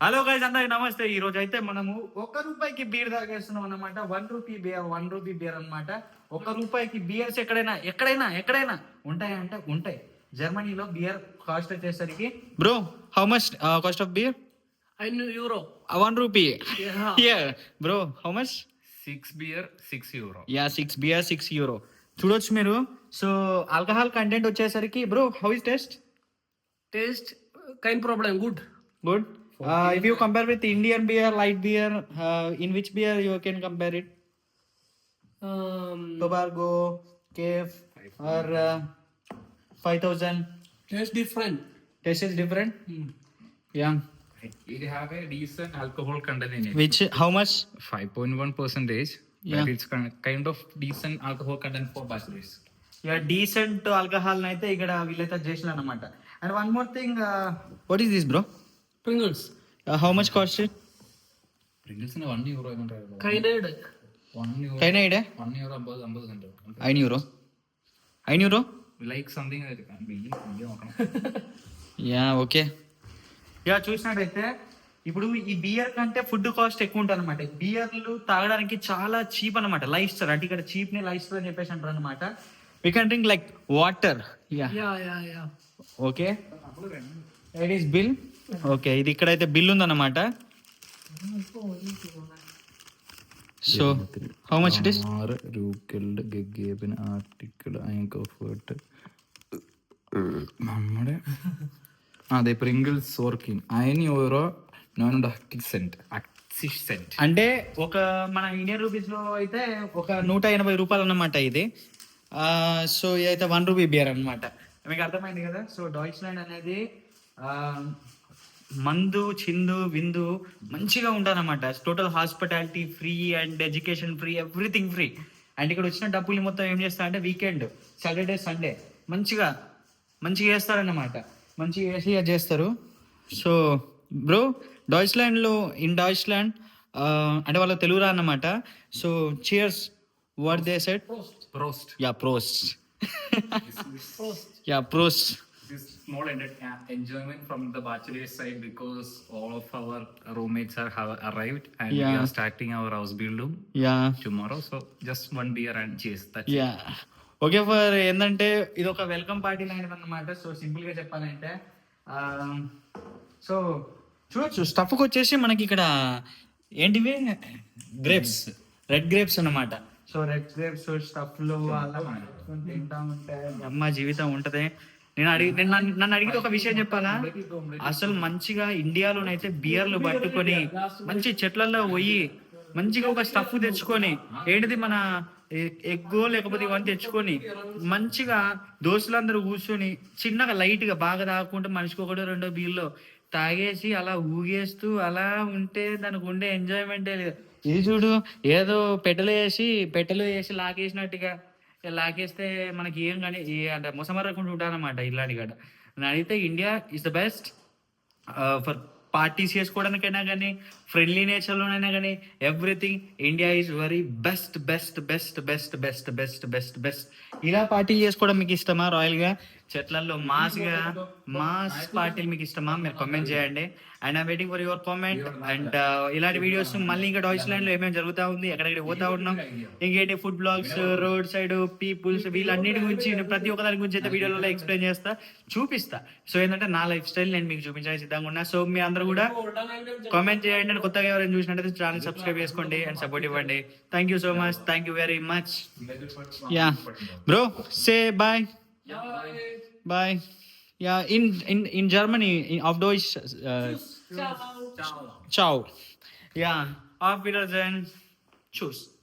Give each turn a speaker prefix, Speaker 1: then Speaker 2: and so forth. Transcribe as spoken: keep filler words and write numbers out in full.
Speaker 1: Hello guys, అందరికి నమస్తే. ఈ రోజు అయితే మనము ఒక్క రూపాయికి బీర్ తాగేస్తున్నాం అన్నమాట. One rupee beer one rupee beer అనమాట. ఒక్క రూపాయికి బియర్స్ ఎక్కడైనా ఎక్కడైనా ఎక్కడైనా ఉంటాయంటే ఉంటాయి. జర్మనీలో బియర్ కాస్ట్ వచ్చేసరికి bro, how much cost of beer?
Speaker 2: euro.
Speaker 1: One rupee.
Speaker 2: Yeah.
Speaker 1: Here bro, how much?
Speaker 3: Six beer six euro.
Speaker 1: Yeah, six beer six euro. చూడొచ్చు మీరు. సో ఆల్కహాల్ కంటెంట్ వచ్చేసరికి bro, how is taste?
Speaker 2: Taste, kind problem, good.
Speaker 1: Good. Uh, if you compare with Indian beer, light beer, uh, in which beer you can compare it?
Speaker 2: Um,
Speaker 1: Tobago, Cave, or uh, five thousand?
Speaker 2: taste different.
Speaker 1: Taste is different? Yeah.
Speaker 3: It have a decent alcohol content in it.
Speaker 1: Which, how much?
Speaker 3: five point one percentage.
Speaker 1: Yeah.
Speaker 3: But it's kind kind of decent alcohol content for bachelors.
Speaker 1: Yeah, decent alcohol అయితే ఇక్కడ వీళ్ళైతే చేసిన అన్నమాట. And one more thing, uh, what is this, bro?
Speaker 2: Pringles.
Speaker 1: Uh, how much cost it?
Speaker 3: Pringles in one euro.
Speaker 2: Kined.
Speaker 3: One euro.
Speaker 1: Can I idea?
Speaker 3: One euro above above center.
Speaker 1: Nine euro. Nine euro?
Speaker 3: Like something that can be.
Speaker 1: Yeah, okay. Yeah, చూసినట్టయితే ఇప్పుడు ఈ beer కంటే food cost ఎక్కువ ఉంటుంది అనమాట. బియర్లు తాగడానికి చాలా cheap అనమాట. లైఫ్ స్టైల్ అంటే ఇక్కడ చీప్ ని లైఫ్ స్టైల్ అని చెప్పేసి అంటారు అనమాట. We can drink like water. Yeah,
Speaker 2: Yeah, yeah, yeah.
Speaker 1: Okay. It is bill. Okay, ఇది ఇక్కడైతే బిల్ ఉందన్నమాట. So how much it is?
Speaker 3: ആറ് രൂക്കൽഡ് ഗഗേബിന് ആർട്ടിക്കിൾ അയൻകോഫേർട്ട് നമ്മുടെ അതെ പ്രിങ്കിൾസ് സോർക്കിൻ അയൻ യൂറോ നോൺ അക്സിസ് సెంట్ అక్సిస్ సెంట్
Speaker 1: అంటే ఒక మన ఇండియన్ రూపీస్ లో అయితే ఒక నూట ఎనభై రూపాయలు అన్నమాట ఇది. సో ఇదైతే వన్ రూపీ బియర్ అనమాట. మీకు అర్థమైంది కదా. సో డాయిచ్లాండ్ అనేది ఆ, మందు చిందు విందు మంచిగా ఉంటారన్నమాట. Total hospitality free and education free, everything free. And ఇక్కడ వచ్చిన డబ్బులు మొత్తం ఏం చేస్తారంటే వీకెండ్, సాటర్డే, సండే మంచిగా మంచిగా చేస్తారన్నమాట. మంచిగా చేసి అది చేస్తారు. సో బ్రో, డాయిచ్లాండ్లో ఇన్ డాయిచ్లాండ్ అంటే వాళ్ళ తెలుగు రా అన్నమాట. So cheers, what they said?
Speaker 3: Prost.
Speaker 1: Yeah, ప్రోస్ట్. యా, ప్రోస్ట్.
Speaker 3: This small ended uh, enjoyment from the bachelor side because all of our roommates are have arrived and
Speaker 1: Yeah.
Speaker 3: we are starting our house build
Speaker 1: yeah,
Speaker 3: tomorrow. So just one beer and cheers. That's
Speaker 1: yeah. Okay. For ఏంటంటే ఇది ఒక welcome party లాంటిది అనమాట. So simple గా చెప్పాలంటే so చూడొచ్చు. స్టఫ్కి వచ్చేసి మనకి ఇక్కడ ఏంటివి గ్రేప్స్, రెడ్ గ్రేప్స్ అన్నమాట. సో రెడ్ గ్రేప్స్ స్టఫ్ లో అలా పెట్టుకొని తింటా ఉంటే అమ్మ జీవితం ఉంటది. నేను అడిగి నేను నన్ను నన్ను అడిగితే ఒక విషయం చెప్పాలా, అసలు మంచిగా ఇండియాలోనైతే బియర్లు పట్టుకొని మంచి చెట్లలో పోయి మంచిగా ఒక స్టఫ్ తెచ్చుకొని ఏంటిది మన ఎగ్గో లేకపోతే ఇవన్నీ తెచ్చుకొని మంచిగా దోస్తులందరూ కూర్చొని చిన్నగా లైట్ గా బాగా తాగకుండా మనిషికి ఒకటో రెండో బీర్లో తాగేసి అలా ఊగేస్తూ అలా ఉంటే దానికి ఉండే ఎంజాయ్మెంటే లేదు. ఇది చూడు, ఏదో పెట్టెలు వేసి పెట్టెలు వేసి లాగేసినట్టుగా లాగేస్తే మనకి ఏం కానీ అంటే మొసమరకుండా ఉంటానమాట ఇలాంటి గడ. నేను అడిగితే India is the best for parties చేసుకోవడానికైనా కానీ, ఫ్రెండ్లీ నేచర్లోనైనా కానీ, everything India is very best best best best best best best best. ఇలా పార్టీలు చేసుకోవడం మీకు ఇష్టమా? రాయల్గా చెట్లలో మాస్గా మాస్ పార్టీలు మీకు ఇష్టమా? మీరు కామెంట్ చేయండి. And I'm waiting for your comment. And ఇలాంటి వీడియోస్ మళ్ళీ ఇంకా డాయిచ్లాండ్ లో ఏమేమి జరుగుతూ ఉంది, ఎక్కడెక్కడ పోతా ఉన్నాం, ఇంకేంటి food blogs, road side peoples, వీళ్ళన్నిటి గురించి నేను ప్రతి ఒక్క దాని గురించి అయితే వీడియోలో ఎక్స్ప్లెయిన్ చేస్తా, చూపిస్తా. సో ఏంటంటే నా లైఫ్ స్టైల్ నేను మీకు చూపించడానికి సిద్ధంగా ఉన్నా. సో మీ అందరూ కూడా కామెంట్ చేయండి. అండ్ కొత్తగా ఎవరైనా చూసినట్టయితే ఛానల్ సబ్స్క్రైబ్ చేసుకోండి అండ్ సపోర్ట్ ఇవ్వండి. Thank you so much. Thank you very much. Yeah bro, say bye. Bye. Yeah, in in in Germany of Deutsch
Speaker 2: Ciao.
Speaker 1: ciao. Ja, auf Wiedersehen. Tschüss.